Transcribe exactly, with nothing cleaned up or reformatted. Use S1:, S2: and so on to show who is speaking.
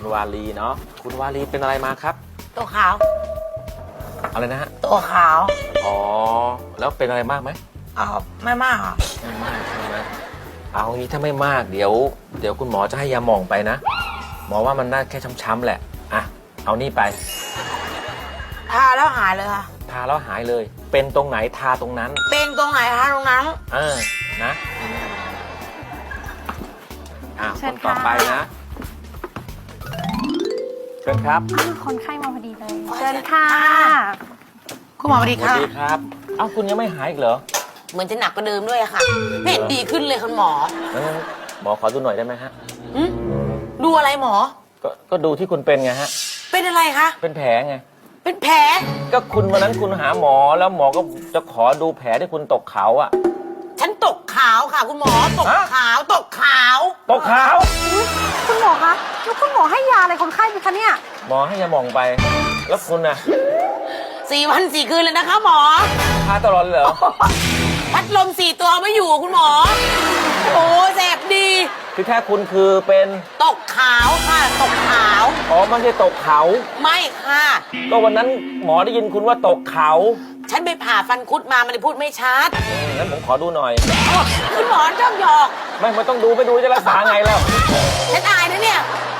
S1: คุณวาลีเนาะคุณวาลีเป็นอะไรมาครับ
S2: ตัวขาว
S1: อะไรนะฮะ
S2: ตัวขาว
S1: อ๋อแล้วเป็นอะไรมากไหม
S2: อ๋อไม่มากอ่ะ
S1: ไม่มากใช่ไหมเอางี้ถ้าไม่มากเดี๋ยว เดี๋ยวคุณหมอจะให้ยาหม่องไปนะหมอว่ามันน่าแค่ช้ำๆแหละอ่ะเอานี่ไป
S2: ทาแล้วหายเลยค่ะ
S1: ทาแล้วหายเลย เป็นตรงไหนทาตรงนั้น
S2: เป็นตรงไหนทาตรงนั้น
S1: เออนะอ่ะ
S3: เชิ
S1: ค
S3: ญ
S1: น
S3: ค่ะ
S1: ต่อไปนะเชิญครับ
S3: อ้าวคนไข้มาพอดีเลย เชิญค่ะ
S2: คุณหมอสวัสดี
S1: สวัส
S2: ค่ะ
S1: ดีครับเอ้าคุณยังไม่หายอีกเหรอ
S2: เหมือนจะหนักกว่าเดิมด้วยอะค่ะ ไม่เห็นดีขึ้นเลยคุณหมอ
S1: งั้นหมอขอดูหน่อยได้ไหมฮะ
S2: อืมดูอะไรหมอ
S1: ก็ก็ดูที่คุณเป็นไงฮะ
S2: เป็นอะไรคะ
S1: เป็นแผลไง
S2: เป็นแผล
S1: ก็คุณวันนั้นคุณหาหมอแล้วหมอก็จะขอดูแผลที่คุณตกเขาอะ
S2: ฉันตกขาวค่ะ คุณหมอ ตก
S1: ฮะ
S2: ขาว ตกขาว
S1: ตกเขา
S3: คุณหมอคะแล้วคุณหมอให้ยาอะไรคนไข้ไหมคะเนี่ย
S1: หมอให้ยาหม่องไป แล้วคุณน่ะ
S2: สี่วันสี่คืนเลยนะคะหมอ
S1: ทาตลอดเลยเหรอ
S2: พัดลมสี่ตัวไม่อยู่คุณหมอ โอ้แสบดี
S1: คือแค่คุณคือเป็น
S2: ตกขาวค่ะ ตกขาว
S1: อ๋อไม่ใช่ตกเขา
S2: ไม่ค่ะ
S1: ก็วันนั้นหมอได้ยินคุณว่าตกเขา
S2: ฉันไปผ่าฟันคุดมามันเลยพูดไม่ชัด
S1: อืมงั้นผมขอดูหน่อย
S2: คุณหมอชอบหยอก
S1: ไม่ไม่ต้องดูไม่ดูจะรักษาไงแล้ว
S2: ฉันอายนะเนี่ย